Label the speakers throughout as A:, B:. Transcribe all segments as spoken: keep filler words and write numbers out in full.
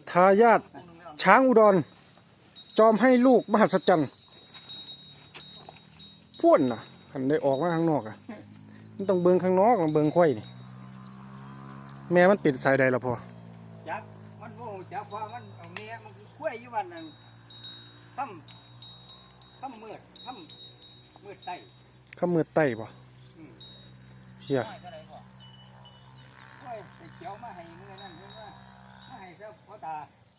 A: ทายาทช้างอุดรจอมให้ลูกมหัศจรรย์พ่วนน่ะหันได้ออกมาข้างนอกอ่ะมันต้องเบิ่งข้างนอกต้องเบิ่งควายนี่แม่มันปิดสายใดล่ะพ่อ
B: จักมันโง่จักว่ามันเอาเมียมันคุ้ยอยู่วันนั้นทำทำมืดทำมืดไต
A: ข้ามือไต้ป่ะเฮีย
B: เจียวมาให้เมื่อนั้นเมื่อมาให้เจ้าพ่อตา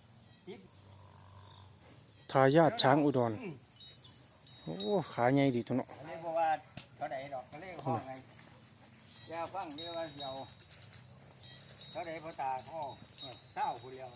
A: ทายาทช้างอุดรโอ้ขาใหญ่ดีทุกเนาะ
B: เลยบอกว่าเขาไหนดอกเขาเรียกห้องไงยาฟังเรียกว่าเดียวเขาไหนพ่อตาพ่อเศร้าคนเดียว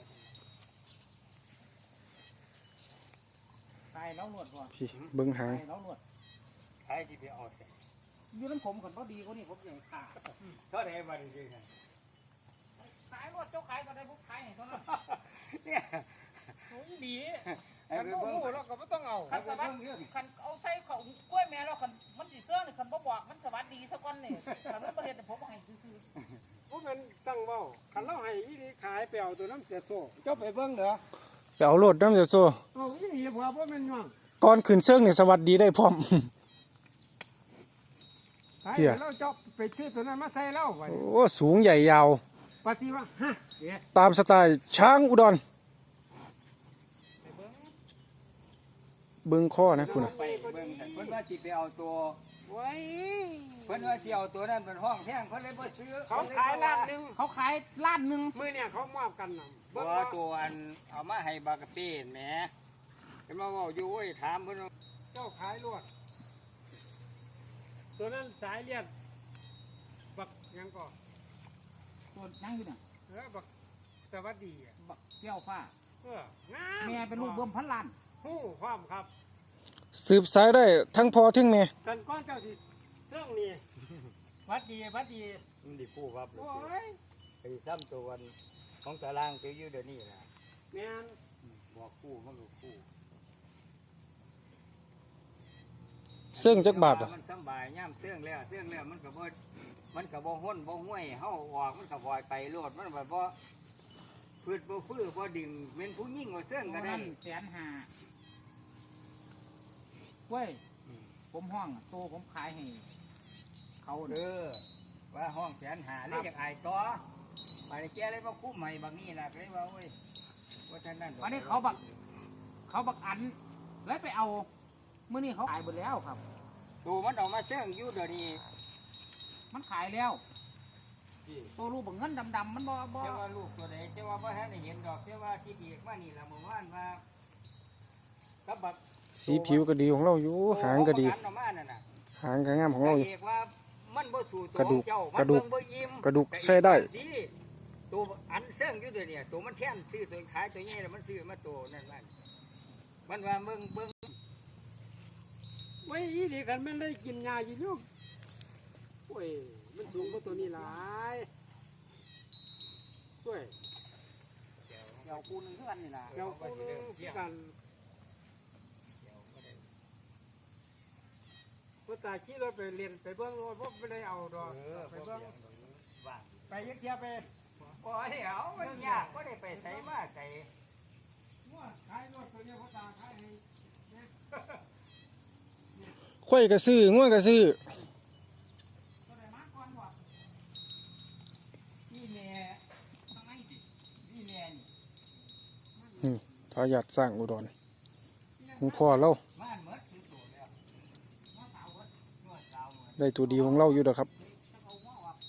B: ตายแล้วหนวดว่ะ
A: พี่เบิ้งหาง
B: แล้วหนวดใครที่ไปเอาเสร็จยืนน้ำผมคนพอดีคนนี้ผมใหญ่ขาเขาไหนมาดีๆไงขายหมดเจ้าขายก็ได้พวกขายเห็นเขาเนี่ยโอ้ยดีคันโม่เราก็ไม่ต้องเอาคันสวัสดิ์คันเอาใส่เขากล้วยแม่เราคันมันสีเสื้อเนี่ยคันบ่บอกมันสวัสดีสักวันเนี่ยคันนั้นประเด็นแต่ผมให้ซื้อพวกมันตั้งเบ้าคันเราให้ยี่ดีขายไปเอาตัวน้ำเสียโซ่เจ้าไปเบิ้งเด้อ
A: ไปเอาโลดน้ำเสียโซ่
B: เอายี่ดีพอเพราะมันย่าง
A: ก่อนขึ้นเสื้อเนี่ยสวัสดีได้พร้อม
B: เฮียเราเจ้าไปซื้อตัวนั้นมาใส่เล่าไว้
A: โอ้สูงใหญ่ยาว
B: ปฏิว่าฮะ
A: ตามสไตล์ช้างอุดรเบิ้งข้อนะคุณ
B: ไปเบิ้งเพิ่นว่าจิไปเอาตัวไว้เพิ่นว่าจิเอาตัวนั้นเป็นห้องแท่งเพิ่นเลยบ่ซื้อเขาขายล้านนึงเขาขายล้านนึงมื้อเนี่ยเขามอบกันน่ะบ่ตัวอันเอามาให้บากะปี้แหมเพิ่นมาเว้าอยู่เว้ยถามเพิ่นเจ้าขายลวดตัวนั้นสายเลียดบักยังก่อตัวนั่งอยู่น่ะเออบักสวัสดีบักเจ้าฟ้าเออแม่เป็นลูกเบิ่มพันล้านฮู้ความครับ
A: สืบสายได้ทั้งพ่อทั้งแม่
B: กันก้อนเจ้าสิเรื่องนี้วัดดีวัดดีมันดีคู่ครับโอ้ยไปซ้ำตัววันของตารางเจออยู่เดี๋ยวนี้นะแม่นบอกคู่มันก็คู่
A: เสื่องจักบาทอ่ะ
B: มันสบายย่ำเสื่องแล้วเสื่องแล้วมันก็บ่มันก็บ่ห้นบ่ห้วยเฮาออกมันก็บ่อยไปโลดมันแบบบ่พืชบ่ฟื้อบ่ดิ่งเป็นผู้ยิ่งกว่าเสื่องก็ได้แสนห้าเว้ยผมห้องโตผมขายให้เขาเด้อว่าห้องแสนห้าเลยอยากอายต่อไปแก้เลยว่าคู่ใหม่บางนี่นะเลยว่าเว้ยว่าท่านนั่นวันนี้เขาบักเขาบักอันแล้วไปเอาเมื่อนี้เขาขายหมดแล้วครับตัวมันออกมาเสื่องอยู่เดี๋ยวนี้มันขายแล้วตัวลูกบังเงินดำๆมันบ่บ่เจ้าว่าลูกตัวไหนเจ้าว่าบ่ให้ได้เห็นดอกเจ้าว่าที่เอกมานี่ละเมื่อวานว่ากับบัก
A: สีผิวก็ดีของเราอยู่หางก็ดีหางก็งามของเราอยู่กระดูกกระดูกกระดูกใช้ได้
B: ตัวอันเสื่องอยู่เดี๋ยวนี้ตัวมันแท่นซื้อตัวขายตัวนี้แล้วมันซื้อมาตัวนั่นมันมันว่าเบิ่งเบิ่งไม่ยี่ดีกันมันได้กินยาอยู่ลูกโอ้ยมันสูงกว่าตัวนี้หลายด้วยเดี๋ยวกูนึงเท่ากันนี่นะเดี๋ยวกูนึงเท่ากันพอตาขี้เราไปเรียนไปเบื้องรถไม่ได้เอาดอกไปเบื้องไปยักเทียไปโอ้ยเอาไม่ยากก็ได้ไปใส่มาใส่ขายรถตัวนี้พอตาขายให้
A: ควายกระซื้อง่วงกระซื้อทายาทสร้างอุดรของพ่อเราได้ตัวดีของเราอยู่เด้อครับ